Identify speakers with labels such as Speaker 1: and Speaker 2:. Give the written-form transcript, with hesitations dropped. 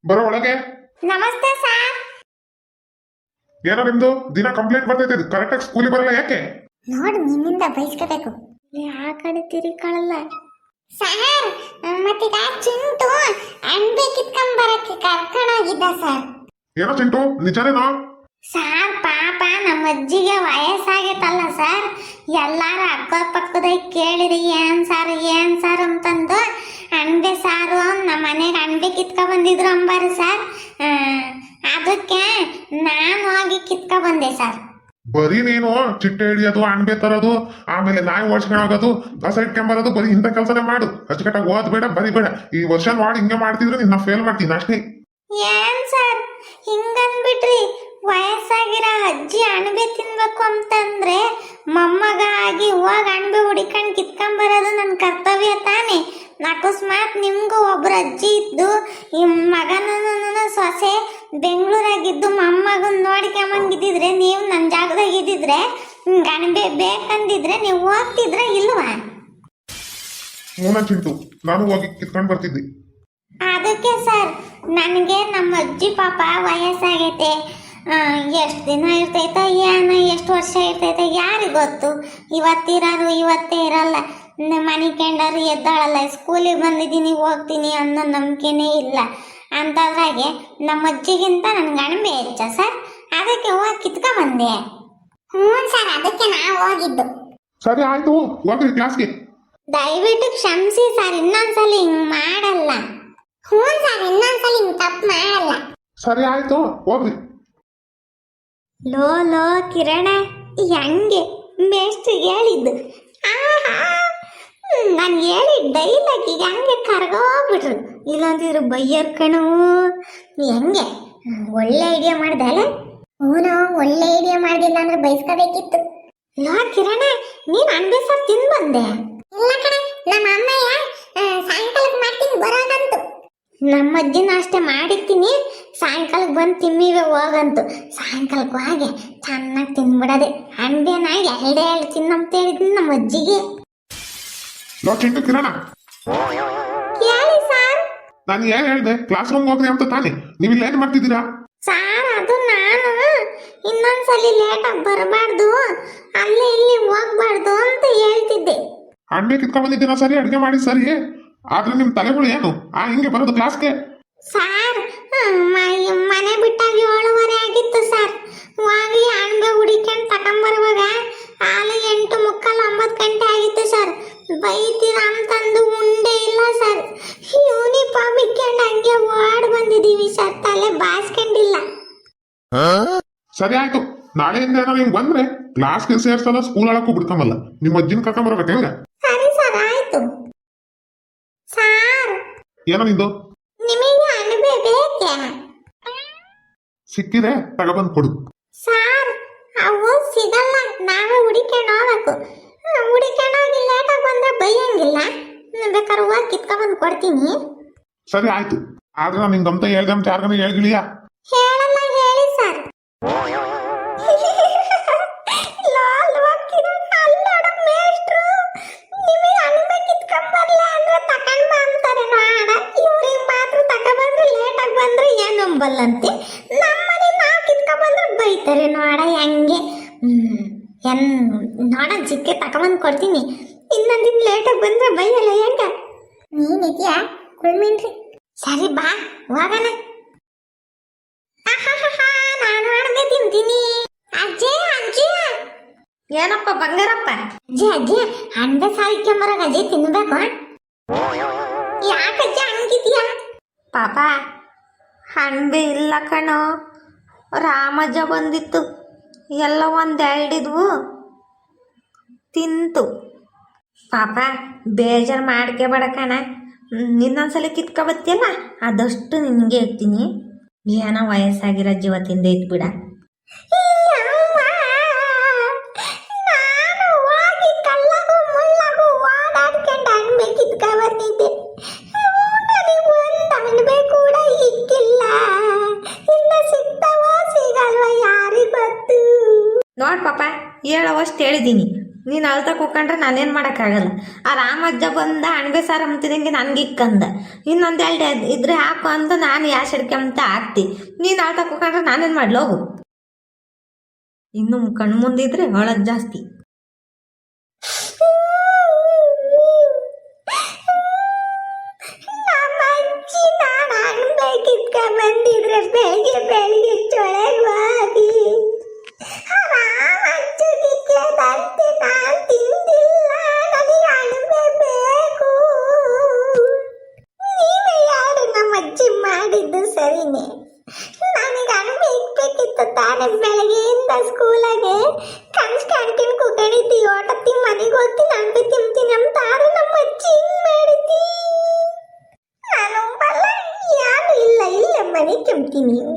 Speaker 1: ಬರೋ ಒಳಗೆ.
Speaker 2: ನಮಸ್ತೆ ಸರ್.
Speaker 1: ಏನೋ ನಿಮ್ದು ದಿನ ಕಂಪ್ಲೇಂಟ್ ಬರ್ತೈತೆ, ಕರೆಕ್ಟಾಗಿ ಸ್ಕೂಲಿಗೆ ಬರಲ್ಲ ಯಾಕೆ?
Speaker 2: ನೋಡಿ ನಿನ್ನಿಂದ ಬಯಸ್ಕೋಬೇಕು. ಆ ಕಡೆ ತಿರುಗಾಳಲ್ಲ ಸರ್. ಮತ್ತೀಗ ಚಿಂಟು ಅಣ್ಬೆ ಕಿತ್ಕೊಂಬರಕ್ಕೆ ಕರ್ಕೊಂಡೋಗಿದ್ದ ಸರ್.
Speaker 1: ಏನೋ ಚಿಂಟು, ನಿಜನೇನೋ?
Speaker 2: ಸರ್ ಪಾಪ ನಮ್ಮ ಅಜ್ಜಿಗೆ ವಯಸ್ಸಾಗೈತಲ್ಲ ಸರ್, ಎಲ್ಲಾರು ಅಕ್ಕಪಕ್ಕದ ಕೇಳಿರಿ ಏನ್ ಸಾರು ಅಂತಂದು ಅಣ್ಬೆ ಸಾರು ನಮ್ಮ ಮನೆಗೆ ಅಣ್ಬೆ ಕಿತ್ಕೊ ಬಂದಿದ್ರು ಅಂಬಾರು ಸರ್. ಅದಕ್ಕೆ ನಾನು ಹೋಗಿ ಕಿತ್ಕೊ ಬಂದೆ ಸರ್.
Speaker 1: ಬರೀ ನೀನು ಚಿಟ್ಟೆ ಹಿಡಿಯೋದು, ಅಣ್ಬೆ ತರೋದು, ಆಮೇಲೆ ನಾಯಿ ಓಡಿಸ್ಕೊಂಡೋಗೋದು, ಕಸ ಇಟ್ಕೊಂಬರೋದು, ಬರೀ ಇಂಥ ಕೆಲಸನೇ ಮಾಡು. ಅಚ್ಚುಕಟ್ಟಾಗಿ ಓದ್ಬೇಡ, ಬರಿಬೇಡ. ಈ ವರ್ಷ ನೋಡಿ ಹಿಂಗೆ ಮಾಡ್ತಿದ್ರೆ ನಿನ್ನ ಫೇಲ್ ಮಾಡ್ತೀನಿ ಅಷ್ಟೇ.
Speaker 2: ಏನ್ ಸರ್ ಹಿಂಗನ್ಬಿಟ್ರಿ? ವಯಸ್ಸಾಗಿರೋ ಅಜ್ಜಿ ಅಣಬೆ ತಿನ್ಬೇಕು ಅಂತಂದ್ರೆ ಮೊಮ್ಮಗ ಆಗಿ ಹೋಗಿ ಅಣಬೆ ಹುಡಿಕೊಂಡು ಕಿತ್ಕೊಂಬರೋದು ನನ್ನ ಕರ್ತವ್ಯ ತಾನೆ. ಅಕಸ್ಮಾತ್ ನಿಮ್ಗೂ ಒಬ್ರು ಅಜ್ಜಿ ಇದ್ದು ಈ ಮಗನ ಸೊಸೆ ಬೆಂಗಳೂರಾಗಿದ್ದು ಮೊಮ್ಮಗನ್ ನೋಡ್ಕೊಂಬಂಗಿದ್ದಿದ್ರೆ, ನೀವು ನನ್ನ ಜಾಗದಾಗ ಇದ್ದಿದ್ರೆ, ಅಣಬೆ ಬೇಕಂದಿದ್ರೆ ನೀವು ಹೋಗ್ತಿದ್ರ ಇಲ್ವಾ?
Speaker 1: ಮೂನ ಚಿಂಟು, ನಾನು ಹೋಗಿ ಕಿತ್ಕೊಂಡು ಬರ್ತಿದ್ದೆ.
Speaker 2: ಅದಕ್ಕೆ ಸರ್, ನನಗೆ ನಮ್ಮ ಅಜ್ಜಿ ಪಾಪ ವಯಸ್ಸಾಗೈತೆ. ಎಷ್ಟು ದಿನ ಇರ್ತೈತೆ ಏನೋ, ಎಷ್ಟು ವರ್ಷ ಇರ್ತೈತೆ ಯಾರಿಗೆ ಗೊತ್ತು. ಇವತ್ತಿರೋರು ಇವತ್ತೇ ಇರಲ್ಲ. ಮನೆ ಕೆಂಡರು ಎದ್ದಾಳಲ್ಲ. ಸ್ಕೂಲಿಗೆ ಬಂದಿದ್ದೀನಿ ಹೋಗ್ತೀನಿ ಅನ್ನೋ ನಂಬಿಕೆನೇ ಇಲ್ಲ. ಅಂಥದ್ರಾಗೆ ನಮ್ಮ ಅಜ್ಜಿಗಿಂತ ನನಗೆ ಅಣಬೆ ಹೆಚ್ಚ ಸರ್. ಅದಕ್ಕೆ ಹೋಗಿ ಕಿತ್ಕೊಂಬಂದೆ. ಹ್ಞೂ ಸರ್, ಅದಕ್ಕೆ ನಾವು ಹೋಗಿದ್ದು.
Speaker 1: ಸರಿ ಆಯ್ತು, ಹೋಗ್ರಿ ಕ್ಲಾಸ್ಗೆ.
Speaker 2: ದಯವಿಟ್ಟು ಕ್ಷಮಿಸಿ ಸರ್, ಇನ್ನೊಂದ್ಸಲ ಹಿಂಗೆ ಮಾಡಲ್ಲ. ಹ್ಞೂ ಸರ್, ಇನ್ನೊಂದ್ಸಲ ಹಿಂಗೆ ತಪ್ಪು ಮಾಡಲ್ಲ.
Speaker 1: ಸರಿ ಆಯ್ತು, ಹೋಗ್ರಿ.
Speaker 2: ಲೋ ಕಿರಣ, ಹೆಂಗೆ ಮೇಷ್ಟ್ರು ಹೇಳಿದ್ದು? ನಾನು ಹೇಳಿದ ಡೈಲಾಗಿಗೆ ಹಂಗೆ ಕರ್ಗೋಗ್ಬಿಟ್ರು. ಇಲ್ಲಂತಿದ್ರು ಬೈಯರ್ ಕಣು. ಹೆಂಗೆ ಒಳ್ಳೆ ಐಡಿಯಾ ಮಾಡ್ದೆ ಅಲ್ಲ? ಹ್ಞೂ, ಒಳ್ಳೆ ಐಡಿಯಾ ಮಾಡಿಲ್ಲ ಅಂದ್ರೆ ಬಯಸ್ಕೋಬೇಕಿತ್ತು. ಲೋ ಕಿರಣ, ನೀನು ಅಣಬೆ ಸಾರು ತಿಂದು ಬಂದೆ? ಇಲ್ಲ ಕಣ, ನಮ್ಮ ಅಮ್ಮಯ್ಯ ಸಾಯಂಕಾಲಕ್ಕೆ ಮಾಡ್ತೀನಿ ಬರೋದಂತು. ನಮ್ಮ ಅಜ್ಜಿನ ಅಷ್ಟೇ ಮಾಡಿರ್ತೀನಿ, ಸಾಯಂಕಾಲಕ್ಕೆ ಬಂದು ತಿಮ್ಮಿವೆ ಹೋಗಂತು. ಸಾಯಂಕಾಲಕ್ಕೆ ಹೋಗಿ ಚೆನ್ನಾಗಿ ತಿನ್ಬಿಡದೆ. ಅಣಬೆನ ಎರಡೇ ತಿನ್ನಂತ ಹೇಳಿದ್ನಿ ನಮ್ಮ ಅಜ್ಜಿಗೆ.
Speaker 1: ಲೋ ಚಿಂಟು, ಕಿರಣ,
Speaker 2: ಹೇಳಿ ಸರ್.
Speaker 1: ನಾನು ಏನ್ ಹೇಳ್ದೆ? ಕ್ಲಾಸ್ ರೂಮ್ ಹೋಗ್ರಿ ಅಂತ ತಾನೆ. ನೀವು ಇಲ್ಲಿ ಏನ್ ಮಾಡ್ತಿದ್ದೀರಾ?
Speaker 2: ಸಾರ್, ಅದು ನಾನು ಇನ್ನೊಂದ್ಸಲಿ ಲೇಟಾಗಿ ಬರಬಾರ್ದು, ಅಲ್ಲಿ ಇಲ್ಲಿ ಹೋಗ್ಬಾರ್ದು ಅಂತ ಹೇಳ್ತಿದ್ದೆ.
Speaker 1: ಅಣ್ಬೆ ಕಿತ್ಕೊಂಡ್ ಬಂದಿದ್ದೀರಾ ಸರಿ, ಅಡುಗೆ ಮಾಡಿ ಸರಿ, ಆದ್ರೆ ನಿಮ್ ತಲೆಗಳು ಏನು ಹಿಂಗೆ ಬರೋದು ಕ್ಲಾಸ್ಗೆ?
Speaker 2: ಸಾರ್, ಮನೆ ಬಿಟ್ಟಾಗ 7:30 ಆಗಿತ್ತು ಸರ್. ಹೋಗಿ ಅಣಬೆ ಹುಡಿಕೊಂಡು ತಗೊಂಬರುವಾಗ ಆಲೆ 8:45 9 ಗಂಟೆ ಆಗಿತ್ತು ಸರ್. ಬೈತೀರ ಅಂತಂದು ಉಂಡೆ ಇಲ್ಲ ಸರ್. ಯೂನಿಫಾರ್ಮ್ ಇಕ್ಕೊಂಡು ಹಂಗೆ ಓಡ್ ಬಂದಿದ್ದೀವಿ ಸರ್, ತಲೆ ಬಾಸ್ಕೊಂಡಿಲ್ಲ.
Speaker 1: ಸರಿ ಆಯ್ತು, ನಾಳೆಯಿಂದ ಏನೋ ನಿಮ್ಗೆ ಬಂದ್ರೆ ಕ್ಲಾಸ್ಗೆ ಸೇರ್ಸಲ್ಲ, ಸ್ಕೂಲ್ ಒಳಕ್ಕೂ ಬಿಡ್ಕೊಂಬಲ್ಲ. ನಿಮ್ಮ ಅಜ್ಜಿನ ಕರ್ಕೊಂಬರ್ಬೇಕು ಹೆಂಗ?
Speaker 2: ಸರಿ ಸರ್, ಆಯ್ತು. ಸಾರ್,
Speaker 1: ಏನೋ ನಿಂದು?
Speaker 2: ನಿಮಗೆ ಅಣಬೆ ಬೇಕೇ?
Speaker 1: ಸಿಕ್ಕಿದೆ, ತಗೊಬಂದು ಕೊಡು.
Speaker 2: ಸಾರ್, ಅವು ಸಿಗಲ್ಲ, ನಾವೇ ಹುಡಿಕೊಂಡು ಹೋಗ್ಬೇಕು. ಹುಡಿಕೊಂಡು ಹೋಗಿ ಲೇಟಾಗಿ ಬಂದ್ರೆ ಬೈಯಂಗಿಲ್ಲ. ಬೇಕಾದ್ರೆ ಹೋಗಿ ಕಿತ್ಕೊಂಡ್ಬಂದು ಕೊಡ್ತೀನಿ.
Speaker 1: ಸರಿ ಆಯ್ತು, ಆದ್ರೆ ನಾನು ನಿಂಗಂತ ಹೇಳ್ದಂತ ಯಾರಿಗಾನ ಹೇಳ್ಗಿಳಿಯಾ?
Speaker 2: ಹೇಳಲ್ಲ, ಹೇಳಿ ಸರ್. ಬಲ್ಲಂತೆ ನಮ್ಮನೆ ನಾವು ಕಿತ್ಕೊಂಡ್ಬಂದ್ರೆ ಬೈತಾರೆ ನೋಡ ಹೆಂಗೆ. ನೋಡ ಚಿಕ್ಕೆ ತಗೊಂಬಂದು ಕೊಡ್ತೀನಿ. ಇನ್ನೊಂದಿನ ಲೇಟಾಗಿ ಬಂದ್ರೆ ಬೈಯಲ್ಲ ಹೆಂಗ? ನೀನಿದ್ಯಾ ಕುಳ್ಮಿನ್ರಿ? ಸರಿ ಬಾ ಹೋಗೋಣ. ನಾನು ಅಡ್ಗೆ ತಿಂತೀನಿ. ಅಜ್ಜಿ ಅಜ್ಜಿ. ಏನಪ್ಪ ಬಂಗಾರಪ್ಪ? ಅಜ್ಜಿ ಅಜ್ಜಿ, ಅಣ್ಬೆ ಸಾಯ್ಕೊಂಬರಾಗ ಅಜ್ಜಿ ತಿನ್ಬೇಕು. ಯಾಕಜ್ಜಿ ಹಂಗಿದ್ಯಾ?
Speaker 3: ಪಾಪ ಅಣಬೆ ಇಲ್ಲ ಕಣೋ, ರಾಮಜ್ಜ ಬಂದಿತ್ತು, ಎಲ್ಲ ಒಂದೆರಡಿದ್ವು ತಿಂತು. ಪಾಪ ಬೇಜಾರು ಮಾಡ್ಕೋಬೇಡ ಕಣ, ಇನ್ನೊಂದ್ಸಲ ಕಿತ್ಕೊಬತ್ತಿಯಲ್ಲ ಅದಷ್ಟು ನಿನಗೆ ಇರ್ತೀನಿ. ಏನೋ ವಯಸ್ಸಾಗಿರೋ ಜೀವ ತಿಂದೈತ್ ಬಿಡ.
Speaker 2: ನಾನು ಹೋಗಿ ಕಲ್ಲಗೂ ಮುಳ್ಳಗೂ ಓಡಾಡ್ಕೊಂಡು ಅಣ್ಬೆ ಕಿತ್ಕೊಂಡ್ಬಂದಿದ್ದೆ. ಅಣಬೆ ಕೂಡ ಇಕ್ಕಿಲ್ಲ. ಇನ್ನು ಸಿಗ್ತಾವ ಸಿಗಲ್ವ ಯಾರಿಗ್ ಗೊತ್ತು.
Speaker 3: ನೋಡ್ ಪಾಪ, ಹೇಳೋವಷ್ಟು ಹೇಳಿದ್ದೀನಿ, ನೀನು ಅಳ್ತಾ ಕೂಕೊಂಡ್ರೆ ನಾನೇನು ಮಾಡೋಕ್ಕಾಗಲ್ಲ. ಆ ರಾಮಜ್ಜ ಬಂದ ಅಣಬೆ ಸಾರು ಅಂತಿದಂಗೆ ನನಗೆ ಇಕ್ಕಂದ, ಇನ್ನೊಂದು ಎರಡು ಇದ್ರೆ ಹಾಕು ಅಂತ ನಾನು ಯಾಸ್ ಹಿಡ್ಕೊಂತ ಹಾಕ್ತಿ. ನೀನು ಅಳ್ತಾ ಕೂಕೊಂಡ್ರೆ ನಾನೇನು ಮಾಡ್ಲಿ ಹೋಗು. ಇನ್ನು ಕಣ್ಣು ಮುಂದಿದ್ರೆ ಅಳೋದು ಜಾಸ್ತಿ.
Speaker 2: ನಮ್ಮ ಅಜ್ಜಿ ನಾನು ಅನ್ಬೇಕಿದ್ಕ ಬಂದಿದ್ರೆ ಬೆಳಿಗ್ಗೆ ಬೆಳಿಗ್ಗೆ ಚೊಳಗವಾಗಿ ರಾಮಜ್ಜನಿಗೆ ಬಂತೆ ನಾನು ತಿಂದಿಲ್ಲ, ನನಗೆ ಅಣಬೆ ಬೇಕು. ನೀವೇ ಯಾರು ನಮ್ಮ ಅಜ್ಜಿ ಮಾಡಿದ್ದು ಸರಿನೇ. ನನಗೆ ಅಣಬೆ ಇಕ್ಬೇಕಿತ್ತು ತಾನೇ. ಬೆಳಗ್ಗೆಯಿಂದ ಸ್ಕೂಲಾಗೆ ಕನ್ಸ್ ಕ್ಯಾಂಟೀನ್ ಕುತ್ಕೊಂಡಿದ್ದಿ, ಓಟತ್ತಿ ಮನೆಗೆ ಹೋಗ್ತೀನಿ ಅಣಬೆ ತಿಂತೀನಿ ಅಂತಾರು ನಮ್ಮ ಅಜ್ಜಿ ಹಿಂಗ್ ಮಾಡಿದ್ದಿ. ನಾನು ಬಲ್ಲ ಯಾರು ಇಲ್ಲ, ಇಲ್ಲ ಮನೆ ಕೆಮ್ತೀನಿ.